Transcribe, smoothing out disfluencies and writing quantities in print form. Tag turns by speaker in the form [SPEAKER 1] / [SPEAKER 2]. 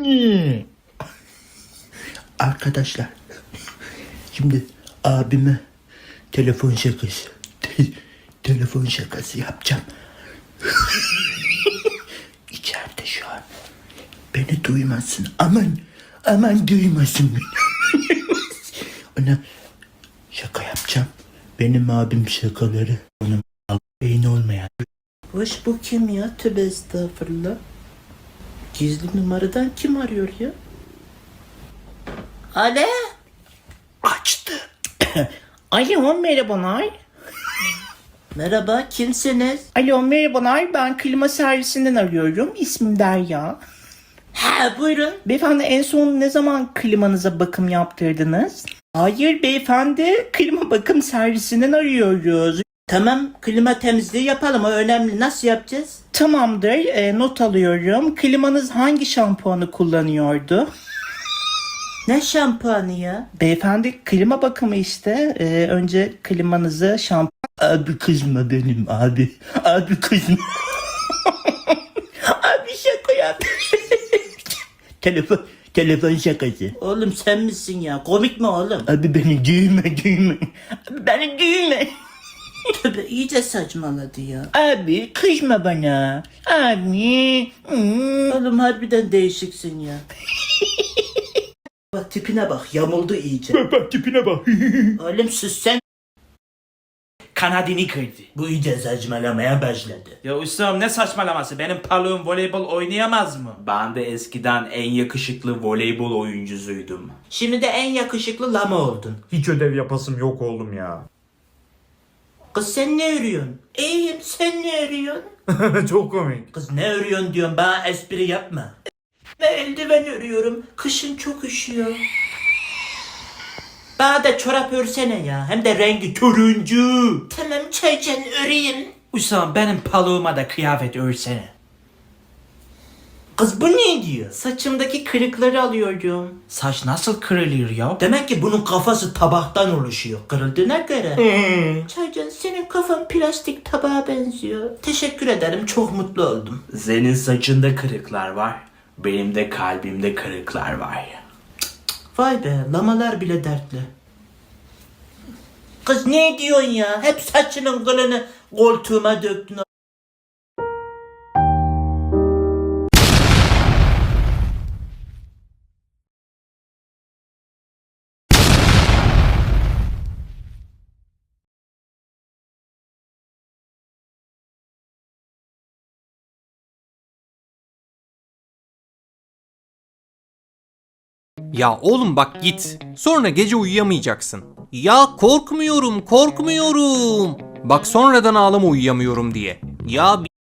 [SPEAKER 1] Arkadaşlar, şimdi abime telefon şakası telefon şakası yapacağım. İçeride şu an. Beni duymasın. Aman duymasın beni. Ona şaka yapacağım. Benim abim şakaları. Onun beyni olmayan. Hoş, bu kim ya? Tövbe estağfurullah. Gizli numaradan kim arıyor ya? Alo? Açtı.
[SPEAKER 2] Alo, merhabalar.
[SPEAKER 1] Merhaba, kimsiniz?
[SPEAKER 2] Alo, merhabalar. Ben klima servisinden arıyorum. İsmim Derya.
[SPEAKER 1] Ha, buyurun.
[SPEAKER 2] Beyefendi, en son ne zaman klimanıza bakım yaptırdınız? Hayır beyefendi, klima bakım servisinden arıyoruz.
[SPEAKER 1] Tamam, klima temizliği yapalım, o önemli. Nasıl yapacağız?
[SPEAKER 2] Tamamdır, not alıyorum. Klimanız hangi şampuanı kullanıyordu?
[SPEAKER 1] Ne şampuanı ya?
[SPEAKER 2] Beyefendi, klima bakımı işte. Önce klimanızı
[SPEAKER 1] Abi kızma benim abi. Abi kızma. Abi şaka yap. Telefon şakası. Oğlum sen misin ya? Komik mi oğlum? Abi beni düğme. Abi beni düğme. Tövbe, iyice saçmaladı ya. Abi kızma bana. Abi. Oğlum harbiden değişiksin ya. Bak tipine bak, yamuldu iyice.
[SPEAKER 3] Bak tipine bak.
[SPEAKER 1] Oğlum sus sen.
[SPEAKER 3] Kanadını kırdı.
[SPEAKER 1] Bu iyice saçmalamaya başladı.
[SPEAKER 3] Ya ustam ne saçmalaması? Benim paluğum voleybol oynayamaz mı? Ben de eskiden en yakışıklı voleybol oyuncusuydum.
[SPEAKER 1] Şimdi de en yakışıklı lama oldun.
[SPEAKER 3] Hiç ödev yapasım yok oğlum ya.
[SPEAKER 1] Kız sen ne örüyorsun? İyiyim, sen ne örüyorsun?
[SPEAKER 3] Çok komik.
[SPEAKER 1] Kız ne örüyorsun diyorum, bana espri yapma. Ben eldiven örüyorum. Kışın çok üşüyor. Bana da çorap örsene ya. Hem de rengi turuncu. Tamam çaycan öreyim.
[SPEAKER 3] Ustam benim paluğuma da kıyafet örsene.
[SPEAKER 1] Kız bu ne diyor?
[SPEAKER 2] saçımdaki kırıkları alıyorum.
[SPEAKER 3] Saç nasıl kırılır ya?
[SPEAKER 1] Demek ki bunun kafası tabaktan oluşuyor. Kırıldığına göre. Çaycan senin kafan plastik tabağa benziyor. Teşekkür ederim, çok mutlu oldum.
[SPEAKER 3] Senin saçında kırıklar var. Benim de kalbimde kırıklar var.
[SPEAKER 1] Vay be, lamalar bile dertli. Kız ne diyorsun ya? Hep saçının kılını koltuğuma döktün.
[SPEAKER 4] Ya oğlum bak git. Sonra gece uyuyamayacaksın. Ya korkmuyorum. Bak sonradan ağlama uyuyamıyorum diye. Ya